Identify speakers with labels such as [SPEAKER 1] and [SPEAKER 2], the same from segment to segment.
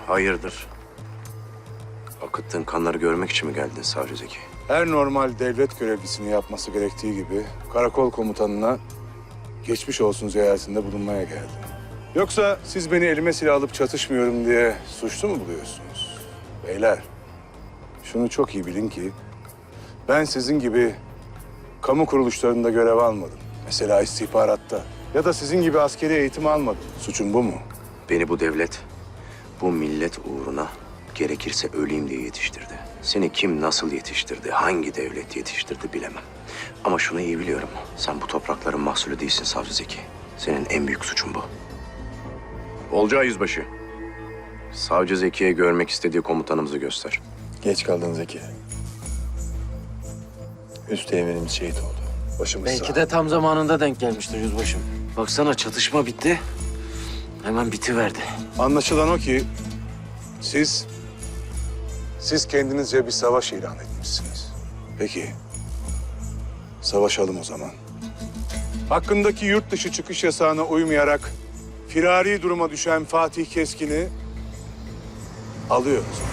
[SPEAKER 1] Hayırdır? Akıttığın kanları görmek için mi geldin Savcı Zeki?
[SPEAKER 2] Her normal devlet görevlisini yapması gerektiği gibi karakol komutanına geçmiş olsun ziyaretinde bulunmaya geldim. Yoksa siz beni elime silah alıp çatışmıyorum diye suçlu mu buluyorsunuz? Beyler, şunu çok iyi bilin ki ben sizin gibi kamu kuruluşlarında görev almadım. Mesela istihbaratta ya da sizin gibi askeri eğitim almadım. Suçum bu mu?
[SPEAKER 1] Beni bu devlet, bu millet uğruna gerekirse öleyim diye yetiştirdi. Seni kim nasıl yetiştirdi, hangi devlet yetiştirdi bilemem. Ama şunu iyi biliyorum. Sen bu toprakların mahsulü değilsin Savcı Zeki. Senin en büyük suçun bu. Olcay Yüzbaşı. Savcı Zeki'ye görmek istediği komutanımızı göster.
[SPEAKER 3] Geç kaldın Zeki. Üsteğmenimiz şehit oldu. Başımız
[SPEAKER 4] Belki
[SPEAKER 3] sağ.
[SPEAKER 4] de tam zamanında denk gelmiştir yüzbaşım. Baksana çatışma bitti. Hemen bitiverdi.
[SPEAKER 2] Anlaşılan o ki siz kendinizce bir savaş ilan etmişsiniz. Peki, savaşalım o zaman. Hakkındaki yurt dışı çıkış yasağına uymayarak firari duruma düşen Fatih Keskin'i alıyoruz.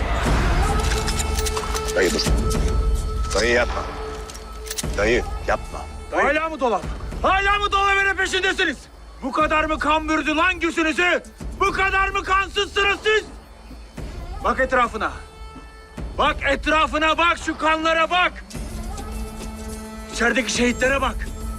[SPEAKER 3] Dayı dur. Dayı yapma. Dayı yapma.
[SPEAKER 5] Hala mı dolar? Hala mı dolar peşindesiniz? Bu kadar mı kan bürüdü lan gözünüzü? Bu kadar mı kansızsınız siz? Bak etrafına. Bak etrafına bak, şu kanlara bak. İçerideki şehitlere bak.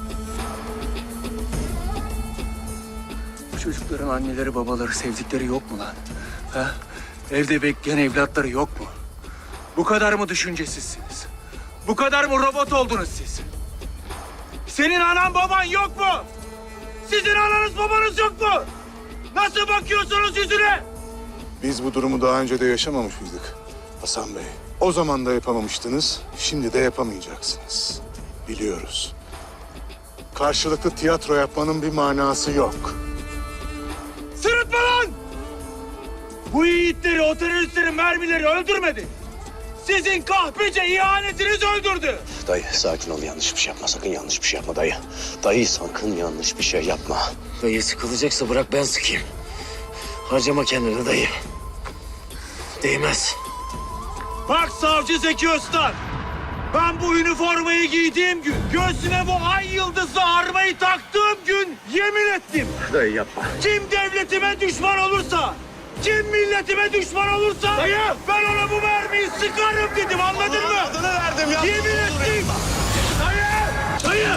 [SPEAKER 5] Bu çocukların anneleri, babaları, sevdikleri yok mu lan? Ha? Evde bekleyen evlatları yok mu? Bu kadar mı düşüncesizsiniz? Bu kadar mı robot oldunuz siz? Senin anan baban yok mu? Sizin ananız babanız yok mu? Nasıl bakıyorsunuz yüzüne?
[SPEAKER 2] Biz bu durumu daha önce de yaşamamış mıydık Hasan Bey? O zaman da yapamamıştınız, şimdi de yapamayacaksınız. Biliyoruz. Karşılıklı tiyatro yapmanın bir manası yok.
[SPEAKER 5] Sırıtma lan! Bu yiğitleri, o teröristlerin mermileri öldürmedi. Sizin kahpece ihanetiniz öldürdü.
[SPEAKER 1] Dayı sakin ol, yanlış bir şey yapma. Sakın yanlış bir şey yapma dayı. Dayı sakın yanlış bir şey yapma.
[SPEAKER 4] Dayı sıkılacaksa bırak ben sıkayım. Harcama kendini dayı. Değmez.
[SPEAKER 5] Bak Savcı Zeki Öztan. Ben bu üniformayı giydiğim gün, göğsüme bu ay yıldızlı armayı taktığım gün yemin ettim.
[SPEAKER 1] Dayı yapma.
[SPEAKER 5] Kim devletime düşman olursa, kim milletime düşman olursa ben ona bu mermiyi sıkarım dedim, anladın mı?
[SPEAKER 3] Adını verdim ya.
[SPEAKER 5] Yemin ettim. Dayı!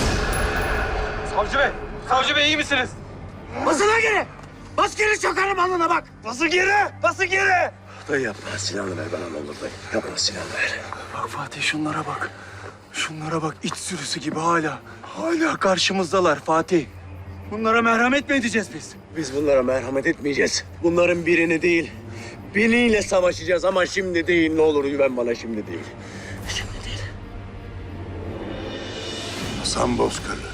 [SPEAKER 5] Savcı Bey iyi misiniz?
[SPEAKER 4] Basına geri. Bas geri çakarım alnına bak.
[SPEAKER 5] Bası geri! Bası geri!
[SPEAKER 1] Dayı yapma. Silahını ver bana ne olur dayı. Yapma, silahını ver.
[SPEAKER 5] Bak Fatih şunlara bak. Şunlara bak, iç sürüsü gibi hala. Hala karşımızdalar Fatih. Bunlara merhamet mi edeceğiz biz?
[SPEAKER 1] Biz bunlara merhamet etmeyeceğiz. Bunların birini değil, biniyle savaşacağız ama şimdi değil. Ne olur güven bana, şimdi değil. Şimdi değil.
[SPEAKER 2] Hasan Bozkırlı.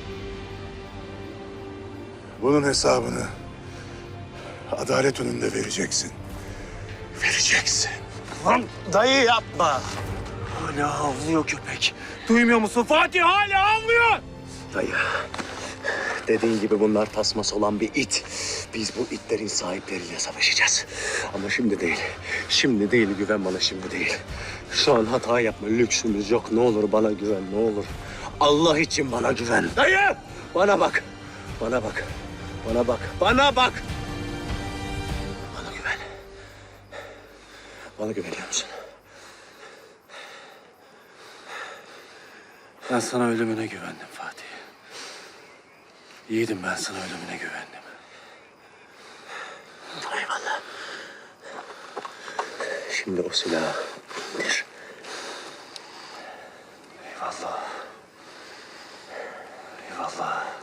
[SPEAKER 2] Bunun hesabını adalet önünde vereceksin. Vereceksin.
[SPEAKER 5] Lan
[SPEAKER 3] Dayı yapma.
[SPEAKER 5] hala havlıyor köpek. Duymuyor musun Fatih? Hala havlıyor.
[SPEAKER 1] Dayı, dediğin gibi bunlar tasması olan bir it. Biz bu itlerin sahipleriyle savaşacağız. Ama şimdi değil. Şimdi değil, güven bana, şimdi değil. Şu an hata yapma, lüksümüz yok. Ne olur bana güven, ne olur. Allah için bana güven.
[SPEAKER 5] Dayı!
[SPEAKER 1] Bana bak. Bana bak. Bana bak. Bana bak. Bana güven. Bana güveniyor musun?
[SPEAKER 5] Ben sana ölümüne güvendim Fatih. Yiğidim, ben sana ölümüne güvendim.
[SPEAKER 1] Eyvallah. Şimdi o silahı indir.
[SPEAKER 5] Eyvallah. Eyvallah.